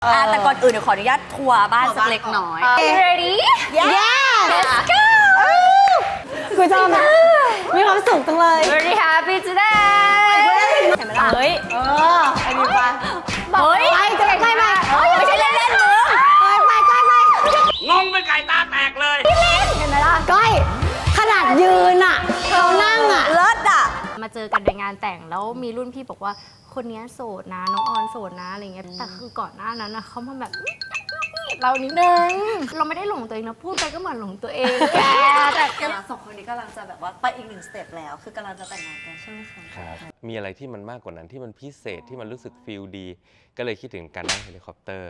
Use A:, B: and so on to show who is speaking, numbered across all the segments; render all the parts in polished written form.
A: แต่ก่อนอื่นเดี๋ยวขออนุญาตทัวร์บ้านสักเล็กน้อย
B: Ready?
A: Yes
B: Let's go!
C: กูชอบนะมีความสุขจังเลย
B: Very happy today! เห็นไหมล่ะ
A: เฮ้ย
C: อันนี้ปะ
A: เฮ้ย
C: ไปจะไปไหม
A: ไม่ใช่เล่นๆมึง
C: ไป
D: งงเป็นไก่ตาแตกเลย
C: เห็นไหมล่ะก้อยขนาดยืนอ่ะเขานั่งอ่ะ
A: เลิศอ่ะ
B: มาเจอกันในงานแต่งแล้วมีรุ่นพี่บอกว่าคนนี้โสดนะน้องออนโสดนะอะไรเงี้ยแต่คือก่อนหน้านั้นนะเขามาแบบเรานิดนึงเราไม่ได้หลงตัวเองนะพูดไปก็เหมือนหลงตัวเองแกแต่
A: สองคนนี้กำลังจะแบบว่าไปอีกหนึ่งสเต็ปแล้วคือกำลังจะแต่งงานกันใช่ไหมคะ
D: ครับ มีอะไรที่มันมากกว่านั้นที่มันพิเศษที่มันรู้สึกฟีลดี ก็เลยคิดถึงการนั่งเฮลิคอปเตอร์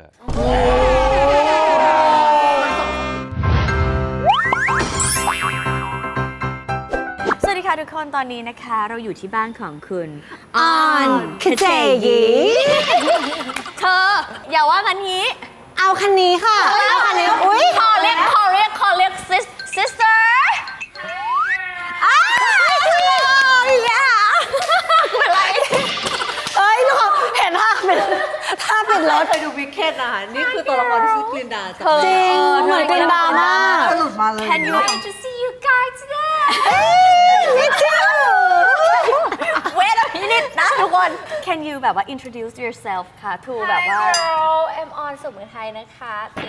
A: สวัสดีค่ะทุกคนตอนนี้นะคะเราอยู่ที่บ้านของคุณ
C: ออนคเจยี
A: เธออย่าว่ากันนี้
C: เอาคันนี้ค่ะเอาคันนี้อุ้ย
A: ขอเรียก sister อ้าวอย่าเป็นไร
C: เอ้ยทุกคนเห็นท่าปิดรถ
E: เคยดูวิกเก็ตนะคะนี่คือตัวละครที่ชื่อกลินดาจาก
C: จริงเหมือนกลินดามาก
E: หลุดมาเลย
A: Can you
B: to see you guys today
C: me too
A: wait a minute นะทุกคน Can you แบบว่า introduce yourself ค่ะ to แบบว่า
B: I'm on สมุนไพรนะคะตี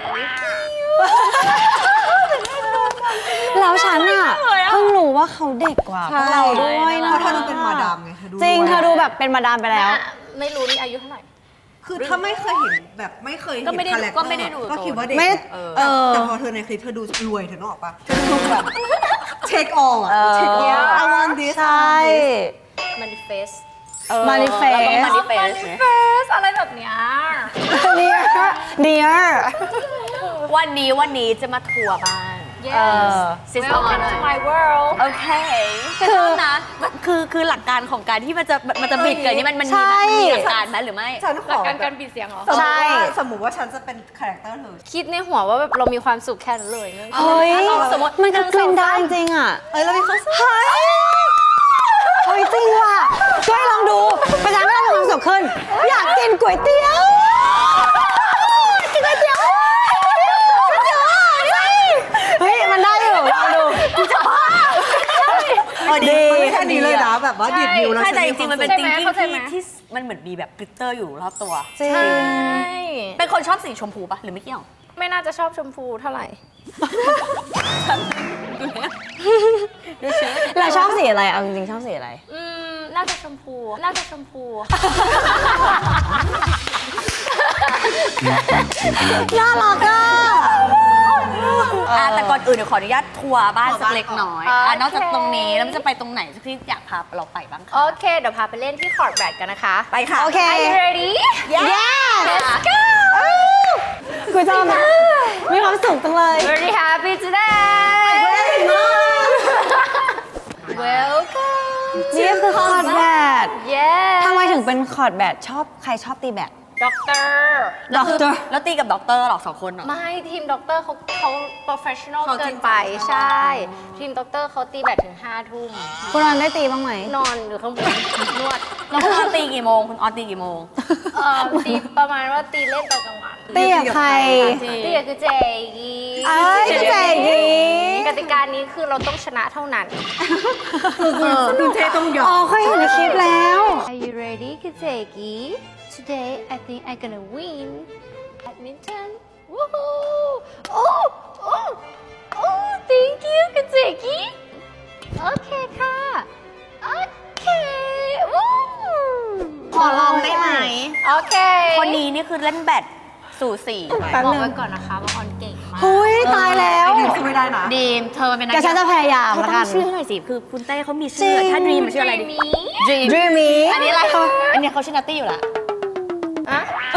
C: แล้วฉันอ่ะเพิ่งรู้ว่าเขาเด็กกว่าพวกเราด้วยนะ
E: เพราะเธอดูเป็นมาดามไงเธอดู
C: จริงเธอดูแบบเป็นมาดามไปแล้ว
B: ไม่รู้นี่อายุเท่าไหร่
E: คือถ้าไม่เคยเห็นแบบไม่เคยเห็น
A: ก็ไม่ได้
E: คาแรคเตอร์
A: ก็ไม่ได้ดู
E: ก็คิดว่าเด็ก
C: ไม่
E: แต่พอเธอในคลิปเธอดูรวยเธอนึกออกปะเธอดูแบบเช็คออลอะเช็คออล I want this
C: ใช่
B: manifest
C: manifest
A: เราต้อง manifest ไหม
B: manifest อะไรแบบเนี้ย
C: dear
A: วันนี้จะมาทัวร์บ้าน
B: yes
A: Sister
B: welcome
A: Honor
B: to my world
A: โอเคคือนะคือหลักการของการที่มันจะบิดเกิดนี่มันมี
C: ใช่
A: หลักการไหมหรือไม่
E: ฉันข
B: หลัก
E: อ
B: การ
E: แบ
B: การ
E: บ
B: ปิดเสียงเหรอ
C: ใช่
E: สมมุติว่าฉันจะเป็นคาแรคเตอร์เธอ
B: คิดในหัวว่าแบบเรามีความสุขแค่นั้นเลยนึก
C: เฮ้ย
A: สมมติ
C: มันคือกลินดาจริงๆอ่ะ
E: แล้วมีเขา
C: เฮ้ยจริงว่ะช่วยลองดูประชาชนมีความสุขขึ้น อยากกินก๋วยเตี๋ยวกินก๋วยเตี๋ยวเฮ้ยมันได้อยู่ลองดู
E: ดีแค่นี้เลยนะแบบว่าดิดนิ้วแล้ว
A: ใช่
E: ฉัน
A: แต่จ
E: มี
A: ริงๆมันเป็น
E: ควา
A: จริง
B: เข้าใจ
A: ที่
B: ไหม
A: ที่มันเหมือนมีแบบกลิตเตอร์อยู่รอบตัว
C: จริง
B: ใช่
A: เป็นคนชอบสีชมพูปะหรือไม่เกี่ยว
B: ไม่น่าจะชอบชมพูเท่าไหร่
C: เราชอบสีอะไรเอาจริงๆชอบสีอะไร
B: น่าจะชมพู น่าจะชมพู
C: น่ารักอ่ะ
A: แต่ก่อนอื่นเดี๋ยวขออนุญาาตทัวร์บ้านสักเล็กน้อย
B: โอเค
A: นอกจากตรงนี้แล้วมันจะไปตรงไหนที่อยากพาเราไปบ้างคะ
B: โอเค เดี๋ยวพาไปเล่นที่คอร์ดแบดกันนะคะ
A: ไปค่ะ
C: โอเค
B: Are you ready?
C: yes
B: Let's go!
C: กูชอบนะมีความสุขจังเลย
B: Very happy today! Welcome
C: นี่คือคอร์ดแบด
B: Yes
C: ทำไมถึงเป็นคอร์ดแบดใครชอบตีแบด
B: Doctor
C: ด็อกเตอร์
A: แล้วตีกับด็อกเตอร์หรอ2 คนเหรอ
B: ไม่ทีมด็อกเตอร์เขา professional
E: เขาจ
B: เกิ
E: ริ
B: น
E: งจัง
B: ไปใช่ ทีมด็อกเตอร์เขาตีแบดถึง5 ทุ่ม
C: คุณรอนได้ตีบ้างไหม
B: นอนอยู่ข้างบนนวด
A: แล้วคุณออนตีกี่โมงคุณออนตีกี่โมง
B: ตีประมาณว่าตีเล่นตอนกลางวัน
C: ตีกับใคร
B: ตีกับคือเจกี
C: เอ้ยเจ๋งดี
B: กติกานี้คือเราต้องชนะเท่านั้น
E: คุณเทต้องยอ
C: อ๋อ
E: ม
C: เคยเห็นในคลิปแล้ว
B: Are you ready, Kazeki? Today, I think I'm gonna win. Badminton. Woohoo! Oh, thank you, Kazeki. Okay, ค่ะ Okay. Woo!
A: ขอลองได้ไหม
B: โอเค
A: คนนี้นี่คือเล่นแบดสู่สี
C: แป๊บ
B: บอก
C: นึง
B: ไว้ก่อนนะคะว่าออนเก่งมาก
C: หุยตายแล้ว
E: ดิวช่วยได้นะ
A: ดีมเธอเป็นนัก
C: แต่ฉันจะพยายาม
A: เธอ
C: แล้ว
A: ต้
C: กั
A: อน งชื่อให้หน่อยสิคือคุณเต้เขามี
C: จริ
A: ชื่อง ถ้าดีมมันชื่ออะไรดี
B: Dreamy
C: Dreamy
A: อันนี้อะไรอันนี้เขาชื่อนัตตี้อยู่ละ
B: อะ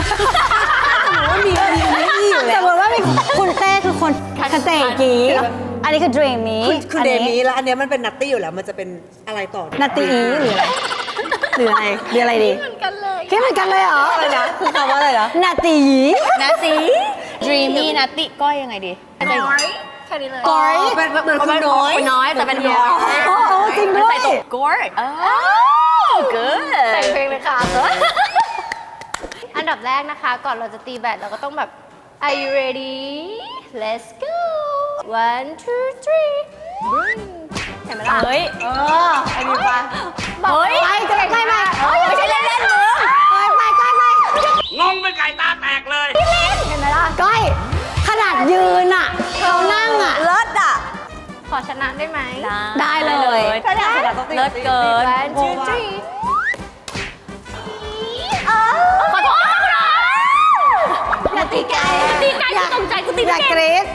C: สมมติว่ามีคุณเต้คือคนคาเตกีอันนี้คือ Dreamy
E: คือเดมี่แล้วอันเนี้ยมันเป็นนัตตี้อยู่แล้วมันจะเป็นอะไรต่อ
C: นาตีอีหรืออะไรหรืออะไรดี
B: เหมือนกันเลย
C: คิดเหมือนกันเลยเหรอ
E: อะไรนะคือคำว่าอะไรนะ
C: นาตี
A: นัตตี้ dreamy นัตตี้ก้อยยังไงดี
B: น้อยแค่นี้เลย
C: ก้อย
E: เป็นเหมือนคุณน้อย
A: คนน้อยแต่เป็นน้อย
C: โอ้จริงด้วย
A: ใส่ตก good good
B: แต่งเพลงเลยค่ะ
A: อัน
B: นดับแรกนะคะ ก่อนเราจะตีแบดเราก็ต้องแบบ Are you ready Let's go 1 2 3 เห็นไหมล่ะ
A: เฮ้ย
E: อันนี้ปะ
B: บอก
A: เฮ้ย
C: ไปไม่
A: ไม่ใช่เล่นๆมึง
F: งงเป็นไก่ตาแตกเลย
B: เห็นไหมล่ะ
C: ก้อยขนาดยืนอ่ะเรานั่งอ่ะ
A: เลิศอ่ะ
B: ขอชนะได้ไหม
C: ได้เลย
A: ถ้าอยากชนะต้องเลิศเกิน
B: 1 2 3
A: ขอโทษค่ะคุณอาอย่าตีไก่ตีไก่กูตกใจกูตี
C: อ
A: ไม่
C: ยาก
A: เก่ง
C: กรี๊ด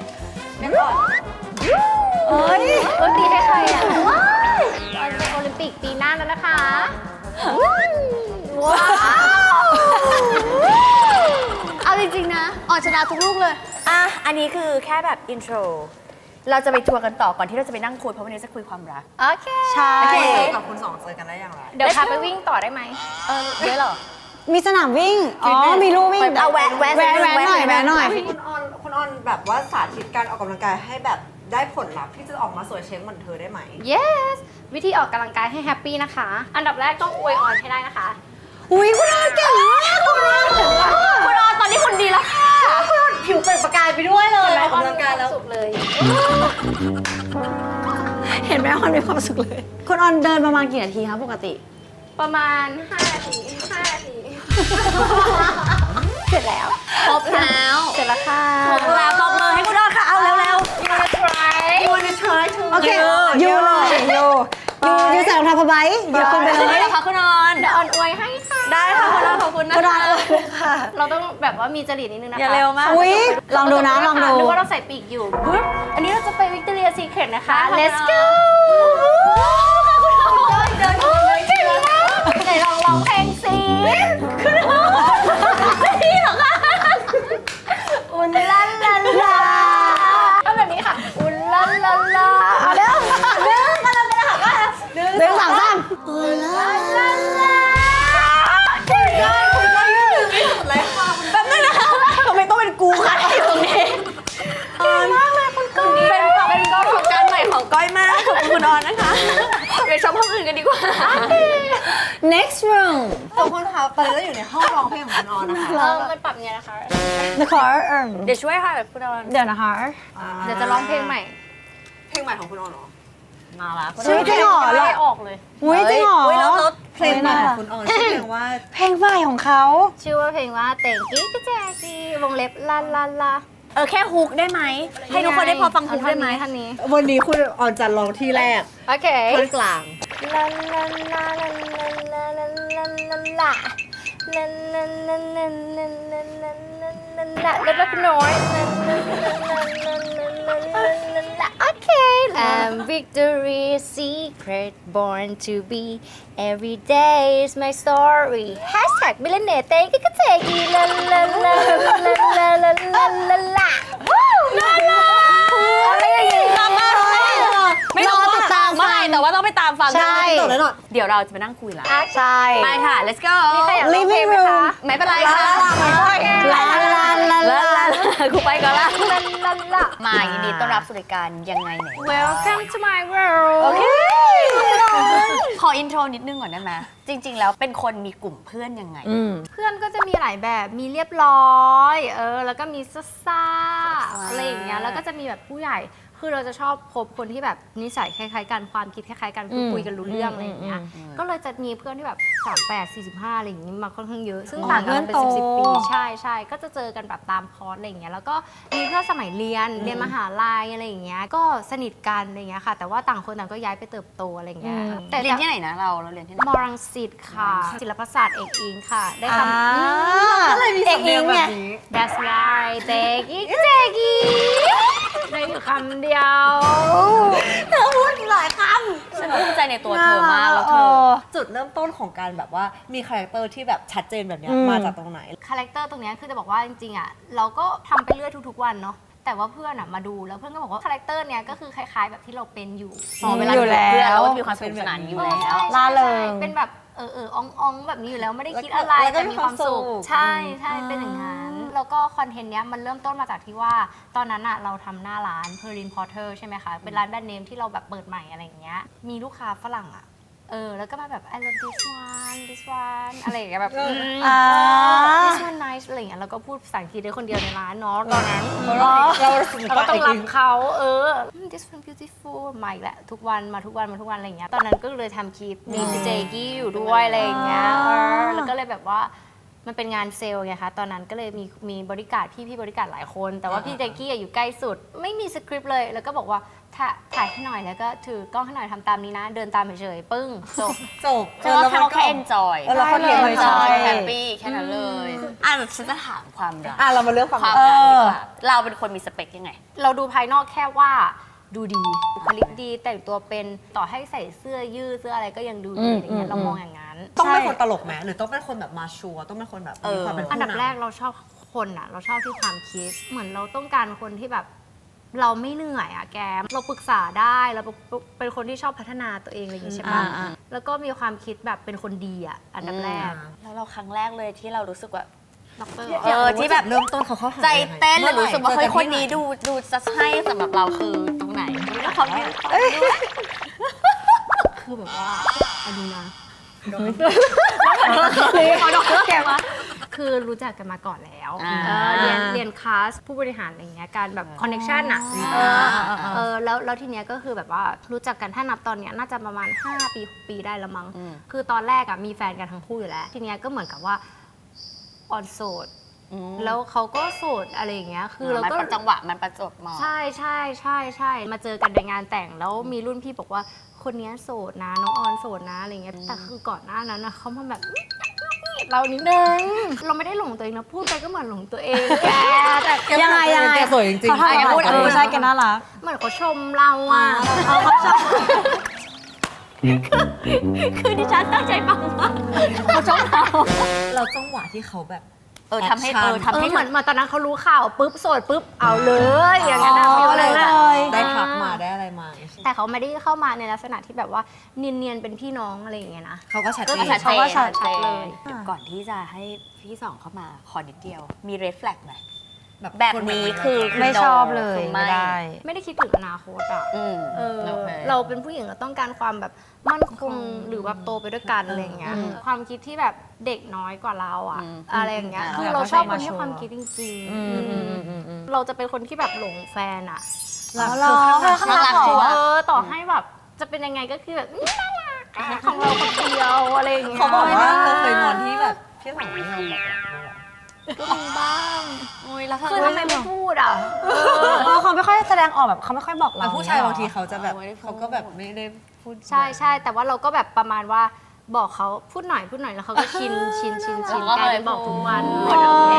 C: เอ้ย
B: เออตีให้ใครอ่ะว้ายตอนเป็นโอลิมปิกปีหน้าแล้วนะคะ ว้าว เอาจริงๆนะออนชนะทุกลูกเลย
A: อ่ะ อันนี้คือแค่แบบอินโทร เราจะไปทัวร์กันต่อก่อนที่เราจะไปนั่งคุยเพราะวันนี้จะคุยความรัก
B: โอเค
C: ใช่
E: โอเคกับคุณสองเจอกันได้อย่างไร
B: เดี๋ยวพาไปวิ่งต่อได้ไหม
A: เยอะเหรอ
C: มีสนามวิ่ง อ๋อ มีลู่วิ่ง
A: เอาแวะ
C: แวะหน่อยแวะหน่อย
E: คุณออนแบบว่าสาธิตการออกกำลังกายให้แบบได้ผลลัพธ์ที่จะออกมาสวยเช้งเหมือนเธอได้ไหม
B: yes วิธีออกกำลังกายให้แฮปปี้นะคะ อันดับแรกต้องอวยออนให้ได้นะคะ
C: อุ้ยคุณอาเก่งมากคุณอา
A: คุณออนตอนนี้คุณดีแล้วค่ะ
E: ผิวเปล่งประกายไปด้วยเลยออกกำลังกายแล้ว
B: สุขเลย
C: เห็นไหมออนมีความสุขเลย คุณออนเดินประมาณกี่นาทีคะปกติ
B: ประมาณ5 นาที 5 นาที เสร็จแล้ว
A: ครบแล้ว
B: เสร็จแล้วค่ะ
A: ครบแล้วบอกเลยให้คุณออนค่ะ เอาเร็ว
B: you wanna try
E: You wanna try to
C: โอเคยูเลยยูใส่รองเท้าผ้าใบยูขึ้นไป
A: ๆ
C: เล
A: ได้
C: ย
A: เลยค่ะคุณออน
B: เดี๋ยวออนอวยให้ค่ะ
A: ได้ค่ะคุณออนขอบคุณนะ
C: คุณอ
A: คะ
C: อนเลยค่ะ
B: เราต้องแบบว่ามีจริตนิดนึงนะคะ
A: อย่าเร็วมาก
C: อุ้ยลองดูนะลองดู
B: นึกว่าเราใส่ปีกอยู่ปึ๊บอันนี้เราจะไป Victoria Secret นะคะ
A: ได้ค่ะ
B: let's go
A: เดิน
B: เก่งมากไหนลองร้องเพลงสิคุณออนนี่เหรอคะอุ่นลันลันลาเอาแบบนี้ค่ะ อุ่นลันลันลาเอาเด้อเด้อกำลังจะหักว่า
C: หนึ่งสองสาม
B: ลันลันลาเก่งมาก
E: คุณก็ยืดไม่สุดเลยค่ะ
A: แป๊บนึงนะคะทำไมต้องเป็นกูคะที่ตรงนี้
B: เก่งมากเลยคุณก้อย
A: เป็นประสบการณ์ใหม่ของก้อยมากขอบคุณคุณออนนะคะไปชมห้องอื่นกันดีกว่า
C: next room
E: ทุกคนคะตอนนี้เราอยู่ในห้องร้องเพลงของคุณออนนะคะ
B: มันปรับไงนะคะ
C: นะคะ
A: เดี๋ยวช่วยค่ะคุณออน
C: เดี๋ยวนะคะ
B: เดี๋ยวจะร้องเพลงใหม่
E: เพลงใหม่ของคุณออนเหรอ
A: มาละ
C: ชื่อจริงเหรอ
B: ไม่ออกเลย
C: อุ้ยจริงเหรอ
E: เพลงใหม่ของคุณออนชื่อเพลงว่า
C: เพลงใหม่ของเขา
B: ชื่อว่าเพลงว่าเต่งกิ๊กกะแจกีวงเล็บลาลาลา
A: แค่ฮุกได้ไหไหม ให้ทุกคนได้พอฟังฮุกได้ไหม
B: ท่านนี้
E: วันนี้คุณออนจะร้องที่แรก
B: โอเค
E: ท่อนกลาง
B: ลาลาลาลาลาลาลาลาลาลาลาลาลาลาลาลาลาลาแล้วก็น้อยลาลาลาลาลาลาลาโอเค I'm Victoria's Secret born to be every day is my story hashtag millionaire เต้กิ๊กกะแจกีลาลาลาลาลาลาลาลาลาลาลาลาอะไรอย่างงี้
A: ไม่รู้ว่าเมื่อไหร่แต่ว่าต้องไปตามฟัง
C: ใช่
E: จบแล้วเนอะ
A: เดี๋ยวเราจะไปนั่งคุยละ
C: ใช่
A: ไปค่ะ let's go
B: มีใครอยากร้องเพลงไหมคะ
A: ไม่เป็นไรค่ะ
C: ลาลาลาลา
A: ครูไปก่อนละ
B: ลาลาลา
A: มายินดีต้อนรับสู่รายการยังไงไหน
B: Welcome to my world
A: โอเค ขออินโทรนิดนึงก่อนได้ไหมจริง ๆ แล้วเป็นคนมีกลุ่มเพื่อนยังไง
B: เพื่อนก็จะมีหลายแบบ มีเรียบร้อย แล้วก็มีซ่าๆอะไรอย่างเงี้ย แล้วก็จะมีแบบผู้ใหญ่ คือเราจะชอบคบคนที่แบบนิสัยคล้ายๆกัน ความคิดคล้ายๆกันคือคุยกันรู้เรื่องอะไรอย่างเงี้ย ก็เลยจะมีเพื่อนที่แบบ38 45อะไรอย่างงี้มาค่อนข้างเยอะ ซึ่งต่างกันเป็น10 ปี ใช่ก็จะเจอกันแบบตามคอร์สอะไรอย่างเงี้ย แล้วก็มีเพื่อนสมัยเรียนมหาลัยอะไรอย่างเงี้ย ก็สนิทกันอะไรอย่างเงี้ยค่ะ แต่ว่าต่างคนต่างก็ย้ายไปเติบโตอะไรอย่างเงี้ย แต่
A: เรียนที่ไหนนะเราเรียนที่ไหน
B: มรังสิตค่ะ ศิลปศาสตร์เอกอิงค่ะ ได้คำ
C: ก็เลยมีสำเนียงแบบนี้
B: That's right เจกี้เจกี้ได้อยู่คำเดียว
E: เธอพูดหลายค
A: ฉันภูมิใจในตัวเธอมากแล้วเธอ
E: ำจุดเริ่มต้นของการแบบว่ามีคาแรคเตอร์ที่แบบชัดเจนแบบเนี้ยมาจากตรงไหน
B: คาแรคเตอร์ตรงเนี้ยคือจะบอกว่าจริงๆอ่ะเราก็ทำไปเรื่อยทุกๆวันเนาะแต่ว่าเพื่อนอ่ะมาดูแล้วเพื่อนก็บอกว่าคาแรคเตอร์เนี้ยก็คือคล้ายๆแบบที่เราเป็นอยู่
A: เวลาอยู่กับเพื่อนเราก็จะมีความสนุกสนานอยู่แล้ว
B: ใช่
C: ล่าเริง
B: เป็นแบบอ่องแบบนี้อยู่แล้วไม่ได้คิดอะไร
E: แล้วก็
B: แต่มีความสุข
E: มีความสุข
B: ใช่เป็นอย่างนั้นแล้วก็คอนเทนต์เนี้ยมันเริ่มต้นมาจากที่ว่าตอนนั้นอ่ะเราทำหน้าร้าน Perlin Porter ใช่ไหมคะเป็นร้านแบรนด์เนมที่เราแบบเปิดใหม่อะไรอย่างเงี้ยมีลูกค้าฝรั่งอ่ะแล้วก็มาแบบ I love this one อะไรอย่างเงี้ยแบบthis one nice อะไรอย่างเงี้ยแล้วก็พูดภาษาอังกฤษได้คนเดียวในร้านเนาะตอนนั้นเราก็ต้องรับเขาthis one beautiful มาอีกแหละทุกวันมาทุกวันอะไรอย่างเงี้ยตอนนั้นก็เลยทำคลิปมีเจกี้อยู่ด้วยอะไรอย่างเงี้ยแล้วก็เลยแบบว่ามันเป็นงานเซลล์ไงคะตอนนั้นก็เลยมีบริการพี่บริการหลายคนแต่ว่าพี่เจกี้อยู่ใกล้สุดไม่มีสคริปต์เลยแล้วก็บอกว่าถ่ายให้หน่อยแล้วก็ถือกล้องให้หน่อยทำตามนี้นะเดินตามเฉยๆปึ้งจบ
A: เขาแค่ enjoy
C: เราก็เรียนเลยใช่
A: แฮปปี้แค่นั้นเลยแบบฉันจะถามความรัก
E: เรามาเลือกความ
A: ความรักดีกว่าเราเป็นคนมีสเปคยังไง
B: เราดูภายนอกแค่ว่าดูดีบุคลิกดีแต่งตัวเป็นต่อให้ใส่เสื้อยืดเสื้ออะไรก็ยังดูดีอย่างเงี้ยเรามองอย่างนั้น
E: ต้องเป็นคนตลกไหมหรือต้องเป็นคนแบบมาชัวร์ต้องเป็นคนแบบมีความเป็นผู้นำ
B: อันดับแรกเราชอบคนอ่ะเราชอบที่ความคิดเหมือนเราต้องการคนที่แบบเราไม่เหนื่อยอ่ะแกเราปรึกษาได้เราเป็นคนที่ชอบพัฒนาตัวเองอะไรอย่างงี้ใช่ปะแล้วก็มีความคิดแบบเป็นคนดีอ่ะอันดับแรก
A: แล้วเราครั้งแรกเลยที่เรารู้สึกว่า
B: ด็อกเตอร์
A: ที่แบบ
E: เริ่มต้นเขาหา
A: ใจเต้นหรือ
E: มื่อไห
A: รู้สึกว่าเฮ้ย
E: จอ
A: คนนี้ดูจะใช่สำหรับเราคือตรงไหนแล้วเขาไม่
B: คือแบบว่าอันนี้นะ
A: เขาดอกเตอร์แกมา
B: คือรู้จักกันมาก่อนแล้วเรียนคลาสผู้บริหารอะไรเงี้ยการแบบคอนเนคชั่นอ่ะแล้วทีเนี้ยก็คือแบบว่ารู้จักกันถ้านับตอนเนี้ยน่าจะประมาณ5 ปี6 ปีได้ละมั้งคือตอนแรกอ่ะมีแฟนกันทั้งคู่อยู่แล้วทีเนี้ยก็เหมือนกับว่าออนโสดแล้วเขาก็โสดอะไรอย่างเงี้ยคือเราก็
A: มันจังหวะมันประจวบเหมาะ
B: ใช่มาเจอกันในงานแต่งแล้วมีรุ่นพี่บอกว่าคนนี้โสดนะน้องออนโสดนะอะไรเงี้ยแต่คือก่อนหน้านั้นนะเขามาแบบเรานิดนึงเราไม่ได้หลงตัวเองนะพูดไปก็เหมือนหลงตัวเองแกแต่
C: ยังไง
E: แกสวยจริง
C: เขาทำอะไรใช่แกน่ารัก
B: เหมือนเขาชมเราอ่ะเขาชม
A: คือดิฉันตั้งใจฟังมากเขาชอบเรา
E: เราจังหวะที่เขาแบบ
A: ทำให้
B: เหมือนตอนนั้นเขารู้ข่าวปุ๊บโสดปุ๊บเอาเลยอย่างนั้นนะฟิลเลยนะ
E: ได้ทักมาได้อะไรมา
B: แต่เขาไม่ได้เข้ามาในลักษณะที่แบบว่าเนียนๆเป็นพี่น้องอะไรอย่างเงี้ยนะ
E: เขาก็ชัด
B: ก็
E: เจน
B: เขาก็ชัดเลย
A: ก่อนที่จะให้พี่สองเข้ามาขอนิดเดียวมี red flag ไหมแบบนี้คือ
C: ไม่ชอบเลย
A: คือ
C: ไม่ได้
B: ไม่ได้คิดถึงอนาคตอ่ะ
A: โอเค
B: เราเป็นผู้หญิงเราต้องการความแบบมั่นคงหรือแบบโตไปด้วยกันอะไรอย่างเงี้ยความคิดที่แบบเด็กน้อยกว่าเราอะอะไรอย่างเงี้ยคือเราชอบคนที่ความคิดจริงๆเราจะเป็นคนที่แบบหลงแฟนอะ
C: เราข้างรักของ
B: ต่อให้แบบจะเป็นยังไงก็คือแบบน่ารักอะของเราคนเดียวอะไรอย่างเงี้ย
E: เขาบอกว่าเราเคยงอนที่แบบพี่สองไม่ยอมบอก
B: ก็มีบ้าง
A: แล้ว
B: คือทำไมไม่พูดอ่ะ
C: เขาไม่ค่อยแสดงออกแบบเขาไม่ค่อยบอกเรา
E: แต่ผู้ชายบางทีเขาจะแบบเขาก็แบบไม่ได้พูด
B: ใช่แต่ว่าเราก็แบบประมาณว่าบอกเขาพูดหน่อยแล้วเขาก็ชินกลายเป็นบอกทุกวัน
A: โอเค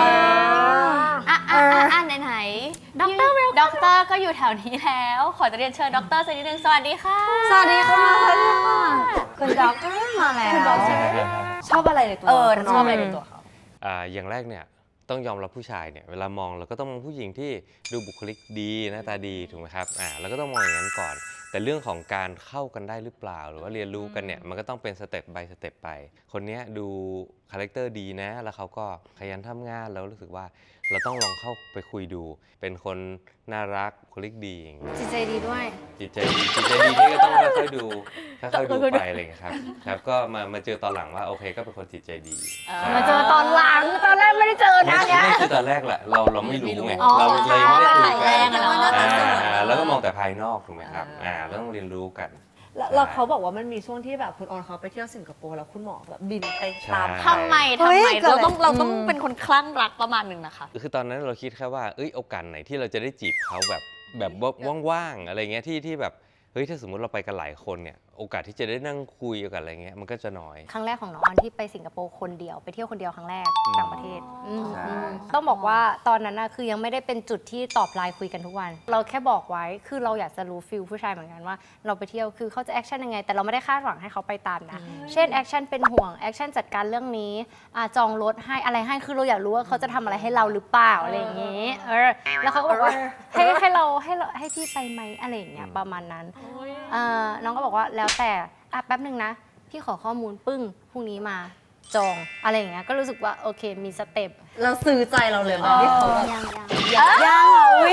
A: ไหนด็อกเตอร์ก็อยู่แถวนี้แล้วขอจะเรียนเชิญด็อกเตอร์สักนิดนึงสวัสดีค่ะ
C: สวัสดีค่ะคุณด็อกมาแล้ว
E: ชอบอะไรในตัว
A: ชอบอะไรในตัวเขา
D: อย่างแรกเนี่ยต้องยอมรับผู้ชายเนี่ยเวลามองเราก็ต้องมองผู้หญิงที่ดูบุคลิกดีหน้าตาดีถูกไหมครับเราก็ต้องมองอย่างนั้นก่อน แต่เรื่องของการเข้ากันได้หรือเปล่าหรือว่าเรียนรู้กันเนี่ยมันก็ต้องเป็นสเต็ป by สเต็ปไปคนนี้ดูคาแรคเตอร์ดีนะแล้วเขาก็ขยันทำงานแล้วรู้สึกว่าเราต้องลองเข้าไปคุยดูเป็นคนน่ารักบุคลิกดีอย่างเงี้ย
B: จิตใจดีด้วย
D: จิตใจดีนี่ก็ต้องค่อยๆดูไปอะไรอย่างเงี้ยครับก็มาเจอตอนหลังว่าโอเคก็เป็นคนจิตใจดี
B: มาเจอตอนหลังตอนแรกไม่ได้เจอนะเนี่ย
D: ไม่คือตอนแรกแหละเราไม่รู้ไง
B: อ๋อ
D: เราเลยไม่ได้คุยกัน
A: ใช่
D: แล้วก็มองแต่ภายนอกถูกไหมครับแล้วต้องเรียนรู้กัน
E: แล้วเขาบอกว่ามันมีช่วงที่แบบคุณออนเขาไปเที่ยวสิงคโปร์แล้วคุณหมอแบบบินไปตาม
A: ทำไมเราต้องเป็นคนคลั่งรักประมาณนึงนะคะ
D: คือตอนนั้นเราคิดแค่ว่าโอกาสไหนที่เราจะได้จีบเขาแบบว่างๆอะไรเงี้ยที่แบบเฮ้ยถ้าสมมุติเราไปกันหลายคนเนี่ยโอกาสที่จะได้นั่งคุยกันอะไรเงี้ยมันก็จะน้อย
B: ครั้งแรกของน้องออนที่ไปสิงคโปร์คนเดียวไปเที่ยวคนเดียวครั้งแรกต่างประเทศ
D: ใช่
B: ต้องบอกว่าตอนนั้นนะคือยังไม่ได้เป็นจุดที่ตอบไลน์คุยกันทุกวัน เราแค่บอกไว้คือเราอยากจะรู้ฟิลผู้ชายเหมือนกันว่าเราไปเที่ยวคือเขาจะแอคชั่นยังไงแต่เราไม่ได้คาดหวังให้เขาไปตามนะเช่นแอคชั่นเป็นห่วงแอคชั่นจัดการเรื่องนี้จองรถให้อะไรให้คือเราอยากรู้ว่าเขาจะทำอะไรให้เราหรือเปล่าอะไรอย่างงี้แล้วเขาก็บอกว่าให้พี่ไปไหมอะไรอย่างเงี้ยประมาณนั้นน้องก็บอกว่าแล้วแต่แป๊บนึงนะพี่ขอข้อมูลปึ้งพรุ่งนี้มาจองอะไรอย่างเงี้ยก็รู้สึกว่าโอเคมีสเต็ป
E: เราซื้อใจเราเลยมั้ยที่เขาแบบ
B: ยัง
C: ยังอุ๊ย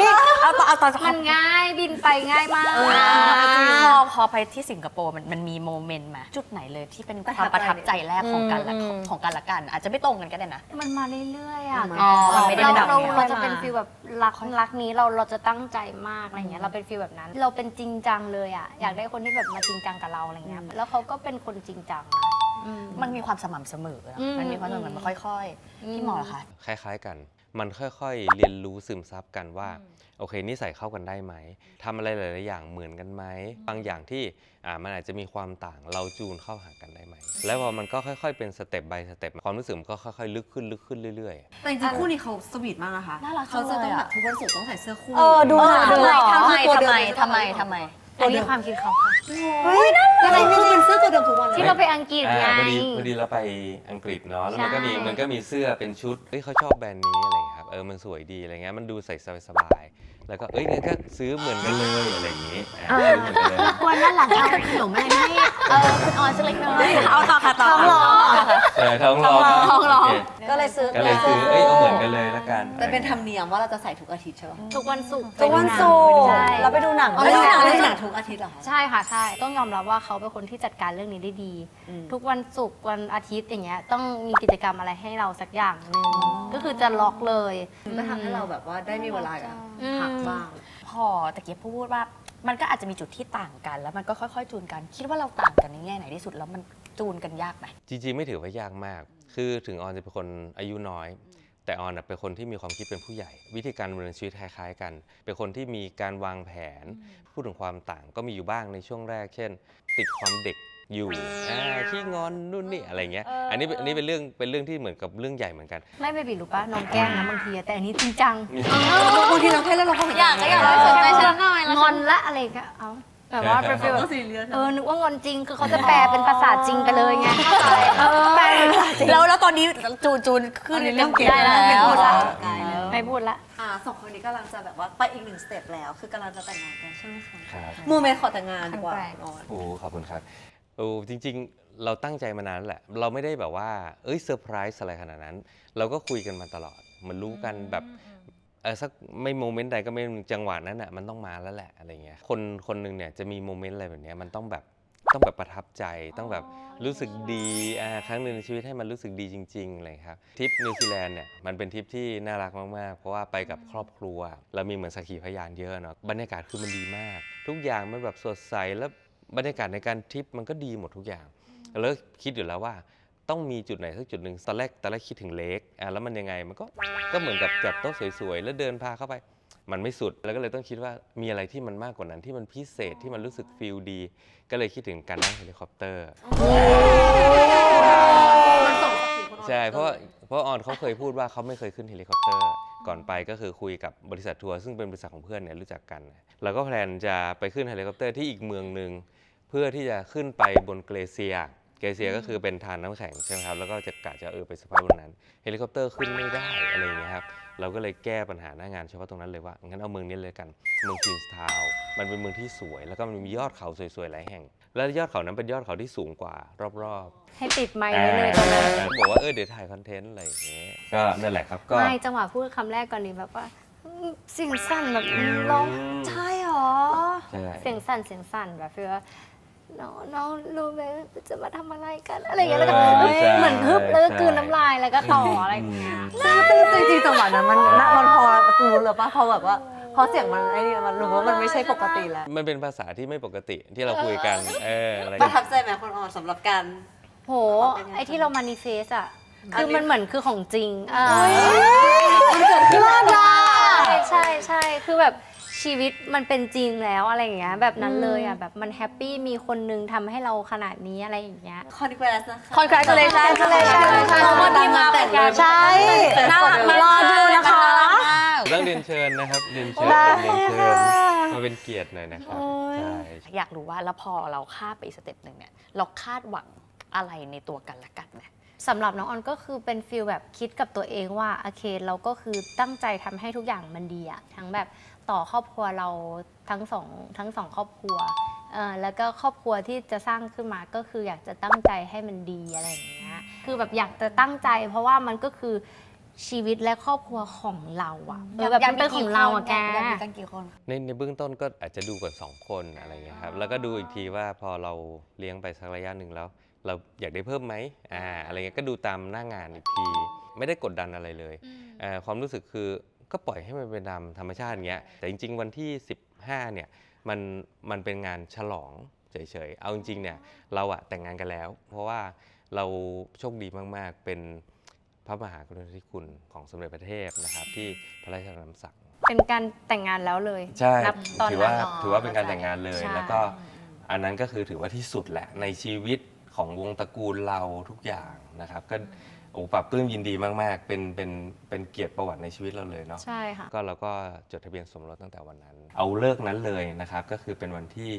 A: เอาตอน
B: มันง่ายบินไปง่ายมาก
A: พอไปที่สิงคโปร์มันมีโมเมนต์มาจุดไหนเลยที่เป็นความประทับใจแรกของกันและกัน อาจจะไม่ตรงกันก็ได้นะ
B: มันมาเรื่อยๆอ่ะ
A: มันไม่ได้
B: เราจะเป็นฟีลแบบรักนี้เราจะตั้งใจมากอะไรเงี้ยเราเป็นฟีลแบบนั้น เราเป็นจริงจังเลยอ่ะอยากได้คนที่แบบมาจริงจังกับเราอะไรเงี้ยแล้วเขาก็เป็นคนจริงจัง
A: มันมีความสม่ำเสมอมันมีความสม่ำเสมอมันค่อยๆพี่หมอเหรอคะ
D: คล้ายๆกัน มันค่อยๆ เรียนรู้ซึมซับกันว่า โอเคนิสัยเข้ากันได้ไหมทำอะไรหลายๆอย่างเหมือนกันไหมบางอย่างที่มันอาจจะมีความต่างเราจูนเข้าหากันได้ไหมแล้วพอมันก็ค่อยๆเป็นสเต็ป by สเต็ปความรู้สึกมันก็ค่อยๆลึกขึ้นเรื่อยๆ
E: แต่จริงๆคู่นี้เขาสวีทมากนะคะ
A: น่ารักจั
E: เขา
A: ง
E: จะ
A: เลย
E: ต้อง
A: อะ
E: แบบทุกวันศุกร์ต้องใส่เสื้อคู่
C: ดูหนัง
A: ทำไม
E: ตัวเดิม
B: อันนี้ความคิดเขาค่ะ
E: เฮ้ยอะไรไม่เป็นเสื้อตัวเดิมทุกวันเลย
B: ที่เราไปอังกฤษไง
D: พอดีเราไปอังกฤษเนาะแล้วมันก็มี
B: ใช่
D: มันก็มีเสื้อเป็นชุดเฮ้ยเขาชอบแบรนด์นี้อะไรอย่างเงี้ยครับมันสวยดีอะไรเงี้ยมันดูใส่สบายๆแล้วก็งั้นก็ซื้อเหมือนกันเลยอะไรอย่างงี้ซื้อเหมือนกันเลย
B: วันนั้นหลังเอาขนมอะไรให้คุณออนสักเล็กน้อย
A: เอาต่อค่ะต่อ
C: ท้องร้อง
D: ท้องร้อง
A: ท้องร้อง
D: โเค
C: ก็เลยซื้อ
D: ก็เลยซื้อเอาเหมือนกันเลยละกัน
E: แต่เป็นธรรมเนียมว่าเราจะใส่ทุกอาทิตย์ใช่ไหม
B: ทุกวันศุกร์
C: ทุกวันศุกร์
B: ใช่
C: เราไปดูหนัง
E: เล่นหนังเล่นหนังทุกอาทิตย์เหรอคะ
B: ใช่ค่ะใช่ต้องยอมรับว่าเขาเป็นคนที่จัดการเรื่องนี้ได้ดี ทุกวันศุกร์วันอาทิตย์อย่างเงี้ยต้องมีกิจกรรมอะไรให้เราสักอย่างหนึ่งก็คือจะล็อกเลย
E: ก็ทำให้เราแบบว่าได้มีเวลาพักบ้าง
A: พอตะเกียบพูดว่ามันก็อาจจะมีจุดที่ต่างกัน แล้วมันก็ค่อยๆจูนกัน คิดว่าเราต่างกันในแง่ไหนที่สุดแล้วมันจูนกันยากไหม
D: จริงๆไม่ถือว่ายากมาก คือถึงออนจะเป็นคนอายุน้อย แต่ออนเป็นคนที่มีความคิดเป็นผู้ใหญ่ วิธีการดำเนินชีวิตคล้ายๆกัน เป็นคนที่มีการวางแผน พูดถึงความต่างก็มีอยู่บ้างในช่วงแรก เช่น ติดความเด็กอยู่ขี้งอนนู่นนี่อะไรเงี้ย อันนี้เป็นเรื่องที่เหมือนกับเรื่องใหญ่เหมือนกัน
B: ไม่ไปบิดรู้ปะน้องแกล้งนะบางทีอะแต่อันนี้จริงจัง
E: บางทีเราแค่เล่นเราก็เหมือน
A: อยากสนใจฉันหน่อย
B: งอนละอะไรก็เอาแบบว่าเป็นฟีลแบ
E: ก็
B: บ
E: ซีเรียส
B: นึกว่างอนจริงคือเขาจะแปลเป็นภาษาจริงไปเลยไงแปลเป็นภาษาจริง
A: แล้วตอนนี้จูนขึ้น
E: เรื่องเกม
A: ได้แล้ว
E: เป็นพูดละ
B: ไม่พูดละ
E: สองคนนี้กำลังจะแบบว่าไปอีกหนึ่งสเต็ปแล้ว คือกำลังจะแต่งงานกันใช่ไหมคะ
D: ครับ
E: โมเมนต์ขอแต่งงานดีกว่าออน
D: โอ้ขอบคุณครับจริงๆ เราตั้งใจมานานแล้วแหละ เราไม่ได้แบบว่าเซอร์ไพรส์อะไรขนาดนั้น เราก็คุยกันมาตลอดเหมันรู้กันแบบสักไม่โมเมนต์ใดก็ไม่จังหวะนั้นอ่ะมันต้องมาแล้วแหละอะไรเงี้ยคนหนึ่งเนี่ยจะมีโมเมนต์อะไรแบบเนี้ยมันต้องแบบประทับใจต้องแบบรู้สึกดีครั้งหนึ่งในชีวิตให้มันรู้สึกดีจริงๆเลยครับทริปนิวซีแลนด์เนี่ยมันเป็นทริปที่น่ารักมากๆเพราะว่าไปกับครอบครัวเรามีเหมือนสักขีพยานเยอะเนาะบรรยากาศคือมันดีมาก ทุกอย่างมันแบบสดใสแล้วบรรยากาศในการทริปมันก็ดีหมดทุกอย่างแล้วคิดอยู่แล้วว่าต้องมีจุดไหนสักจุดหนึ่งตอนแรกคิดถึงเลคแล้วมันยังไงมันก็เหมือนกับจัดโต๊ะสวยๆแล้วเดินพาเข้าไปมันไม่สุดแล้วก็เลยต้องคิดว่ามีอะไรที่มันมากกว่านั้นที่มันพิเศษที่มันรู้สึกฟีลดีก็เลยคิดถึงการนั่งเฮลิคอปเตอร์ใช่เพราะออนเขาเคยพูดว่าเขาไม่เคยขึ้นเฮลิคอปเตอร์ก่อนไปก็คือคุยกับบริษัททัวร์ซึ่งเป็นบริษัทของเพื่อนเนี่ยรู้จักกันเราก็แพลนจะไปขึ้นเฮลิคอปเตอร์ที่อีกเมืองหนึ่งเพื่อที่จะขึ้นไปบนเกลเซียก็คือเป็นทานน้ำแข็งใช่ไหมครับแล้วก็จะไปสภาพบนนั้นเฮลิคอปเตอร์ขึ้นไม่ได้อะไรอย่างเงี้ยครับเราก็เลยแก้ปัญหาหน้างานเฉพาะตรงนั้นเลยว่างั้นเอาเมืองนี้เลยกันเมืองควีนส์ทาวน์มันเป็นเมืองที่สวยแล้วก็มันมียอดเขาสวยๆหลายแห่งแล้วยอดเขานั้นเป็นยอดเขาที่สูงกว่ารอบๆ
B: ให้ติดไมค์ไว้เลยตอนนั้น
D: บอกว่าเดี๋ยวถ่ายคอนเทนต์อะไรอย่างเงี้ยก็นั่นแหละครับก็
B: ไม่จังหวะพูดคำแรกก่อนนี้แบบว่าเสียงสั่นแบบร้องใช่หรอ
D: ใช่
B: เสียงสั่นแบบฟีลว่าน้องรู้ไหมจะมาทำอะไรกันอะไรอย่างเงี้ยแล้วก็เหมือนฮึบแล้วก็กลืนน้ำลายแล้วก็ต่ออะไรอย่างเงี้ย
C: จริงๆจังหวะนั้นมันพอรู้เลยป่ะพอแบบว่าพอเสียงมันไอ้นี่มันรู้ว่ามันไม่ใช่ปกติแล้ว
D: มันเป็นภาษาที่ไม่ปกติที่เราคุยกันอะไร
E: ประทับใจไหมคนออนสำหรับการ
B: โหไอที่เรามานิเฟสอ่ะคือมันเหมือนคือของจริง
C: มันเกิดขึ้นแล้วนะ
B: ใช่คือแบบชีวิตมันเป็นจริงแล้วอะไรอย่างเงี้ยแบบนั้นเลยอ่ะแบบมันแฮปปี้มีคนนึงทำให้เราขนาดนี้อะไรอย่างเงี้ย
E: คอนเกรสนะคะ
A: Congratulations
E: วันนี้มาแต่งงาน
C: ใช่
A: น่ารักมาก
C: รอดูนะคะ
D: ต้องเรียนเชิญนะครับเรียนเชิญ
C: ได้
D: มาเป็นเกียรติหน่อยนะครับใช่
A: อยากรู้ว่าแล้วพอเราคาดไปอีกสเต็ปหนึ่งเนี่ยเราคาดหวังอะไรในตัวกันและกันไหม
B: สำหรับน้องออนก็คือเป็นฟีลแบบคิดกับตัวเองว่าโอเคเราก็คือตั้งใจทำให้ทุกอย่างมันดีอะทั้งแบบต่อครอบครัวเราทั้งสองครอบครัวแล้วก็ครอบครัวที่จะสร้างขึ้นมาก็คืออยากจะตั้งใจให้มันดีอะไรอย่างเงี้ยคือแบบอยากจะตั้งใจเพราะว่ามันก็คือชีวิตและครอบครัวของเราอะแบบมันเป็นของเราอะแก
A: อยากมีกันกี่คน
D: ในเบื้องต้นก็อาจจะดูก่อน2 คนอะไรเงี้ยครับแล้วก็ดูอีกทีว่าพอเราเลี้ยงไปสักระยะหนึ่งแล้ว เราอยากได้เพิ่มไหมอะไรเงี้ยก็ดูตามหน้างานอีกทีไม่ได้กดดันอะไรเลยความรู้สึกคือก็ปล่อยให้มันเป็นตามธรรมชาติอย่างเงี้ยแต่จริงๆวันที่15เนี่ยมันเป็นงานฉลองเฉยๆเอาจริงๆเนี่ยเราอะแต่งงานกันแล้ว เพราะว่าเราโชคดีมากๆเป็นพระมหากรุณาธิคุณของสมเด็จพระเทพนะครับที่พระราชทานคำสั่ง
B: เป็นการแต่งงานแล้วเลย
D: ใช่
B: นับตอน
D: ถือ
B: นั้
D: ว่าน
B: เนาะ
D: ถือว่าเป็นการแต่งงานเลย
B: ใช่
D: แล้วก็อันนั้นก็คือถือว่าที่สุดแหละในชีวิตของวงตระกูลเราทุกอย่างนะครับก็โอ้ปรับปลื้มยินดีมากๆเป็นเกียรติประวัติในชีวิตเราเลยเนาะ
B: ใช่ค่ะ
D: ก็เราก็จดทะเบียนสมรสตั้งแต่วันนั้น เอาเลิกนั้นเลยนะครับก็คือเป็นวันที่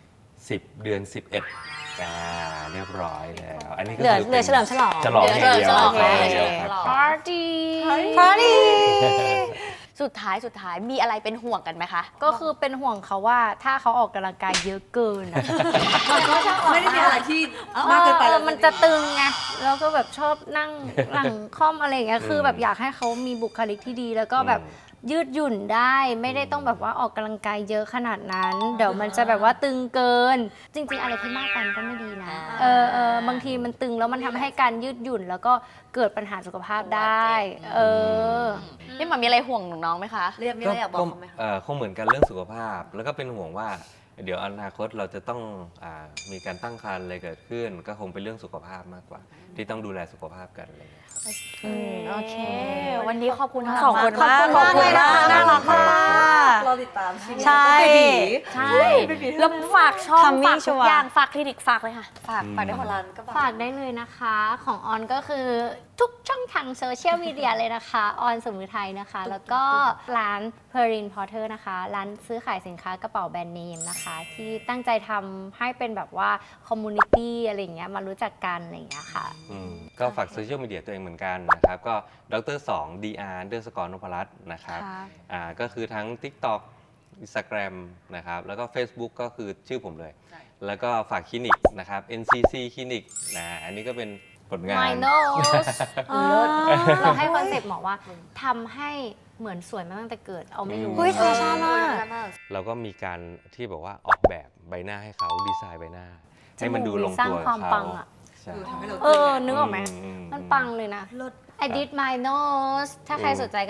D: 10 เดือน 11เรียบร้อยแล้ว อันนี้ก็
C: เหลือ
D: คือ
C: เหลือเฉลิมฉลอง
D: ฉลองอย่างเดียว
A: ฉลอง
D: ฉลองอย่างเดียวครับ
B: ปาร์ตี้
C: พาร์ตี้
A: สุดท้ายมีอะไรเป็นห่วงกันไหมคะ
B: ก็คือเป็นห่วงเขาว่าถ้าเขาออกกำลังกายเยอะเกินอะ
E: ไม่ได้มีอะไรที่มากเกินไปแล้ว
B: มันจะตึงไงแล้วก็แบบชอบนั่งหลังค่อมอะไรอย่างเงี้ยคือแบบอยากให้เขามีบุคลิกที่ดี แล้วก็แบบยืดหยุ่นได้ไม่ได้ต้องแบบว่าออกกำลังกายเยอะขนาดนั้น เดี๋ยวมันจะแบบว่าตึงเกิน จริง ๆ อะไรที่มากไปมันก็ไม่ดีนะบางทีมันตึงแล้วมันทำให้การยืดหยุ่น แล้วก็เกิดปัญหาสุขภาพได้
A: นี่มันมีอะไรห่วงน้องไหมคะ
E: เรียกไม่ได้อยากบอกเขาไหมคะ
D: คงเหมือนกันเรื่องสุขภาพ แล้วก็เป็นห่วงว่า เดี๋ยวอนาคตเราจะต้องมีการตั้งครรภ์อะไรเกิดขึ้น ก็คงเป็นเรื่องสุขภาพมากกว่า ที่ต้องดูแลสุขภาพกันอะไรอย่างเงี้ยครับ
A: โอเค วันนี้ขอบคุณทั้ง
C: ข
A: ส
C: อ
A: อบ ง
C: คุ
A: ค
C: ณ
A: น
C: มาก
A: ขอบคุณมาก
C: น่ารักมาก
E: เราติดตามชีวิต
C: ใช่
E: เบบี
A: ใช่แล้วฝากช่อง
C: Coming
A: ฝากทุก
C: Sure
A: อย่างฝากคลินิกฝากเลยค่ะ ฝากได้คนละก็
B: ฝากได้เลยนะคะของออนก็คือทุกช่องทางโซเชียลมีเดียเลยนะคะออนสมุทรไทยนะคะ แล้วก็ร้าน Perrin Porter นะคะร้านซื้อขายสินค้ากระเป๋าแบรนด์เนมนะคะ ที่ตั้งใจทำให้เป็นแบบว่าคอมมูนิตี้อะไรอย่างเงี้ยมารู้จักกันอะไรอย่างเงี้ยค่ะ
D: ก็ฝากโซเชียลมีเดียตัวเองเหมือนกันนะครับ ก็ดร2 dr_ นพรัตน์นะครับ ก็คือทั้ง TikTok Instagram นะครับ แล้วก็ Facebook ก็คือชื่อผมเลย แล้วก็ฝากคลินิกนะครับ NCC คลินิกอันนี้ก็เป็นผลงาน
B: My nose เราให้คอนเซ็ปต์หมอว่าทำให้เหมือนสวยมาตั้งแต่เกิดเอาไม่รู้
C: เฮ้ยธรรมชาติมาก
D: เราก็มีการที่บอกว่าออกแบบใบหน้าให้เขาดีไซน์ใบหน้า ให้มันดูลง
B: สร้าง
D: ตัว
B: ความ
D: เขา
B: ปังอะ
D: ใช่
E: ทำให้เรา
B: นึกออกไหมมันปังเลยนะ I did my nose ถ้าใครสนใจก็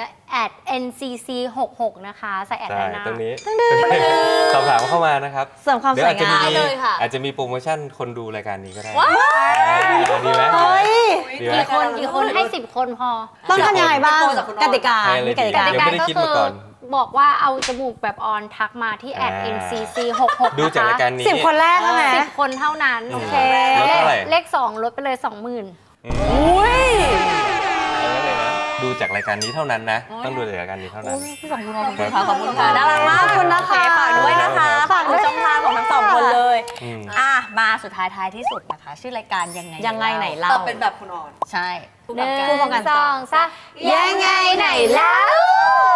B: @ncc66 นะคะใส่แอด
D: ใช่
B: ด้านหน้า
D: ตรงนี้สอบถามเข้ามานะครับ
C: เสริมความ
D: เดี๋ย
C: ส
D: ว
C: วย
D: อาจจะ
C: งา
D: มี
C: ม
A: เลยค่ะ
D: อาจจะมีโปรโมชั่นคนดูรายการนี้ก็ได้ ดีไหม
C: เฮ้ย
D: ดีไหม
B: กี่คนให้ 10 คนพอ
C: ต้องทำยังไงบ้าง กติกา
D: ให้อะไร
C: มีกติกา
D: ยังไม่ได้คิดมาก่อน
B: บอกว่าเอาจมูกแบบออนทักมาที่ @ncc66
D: ดูจากรายการนี้
C: 10 คนแรกใช่ไหม
B: 10 คนเท่านั้น
D: โอเค
B: เล
D: ลดเท่าไหร่
B: เลข 2 ลดไปเลย 20,000
C: อุ้ย
D: เอาไว้เลยนะดูจากรายการนี้เท่านั้นนะ ต้องดูจากรายการนี้เท่านั้น
A: ขอบคุณค่ะขอบคุณค่ะน่ารักมาก
C: ขอบคุณนะคะ
A: โอเฝากด้วยนะคะ ฝากดูช่องทางของทั้งสองคนเลย
D: อืม
A: มาสุดท้ายที่สุดนะคะ ชื่อรายการยังไง
C: ยังไงไหนเล่า
E: แต่เป็นแบบคุณอ่อน
A: ใช่
B: หนึ่ง
C: คู่กัน
B: สองสามยังไงไหนแล้ว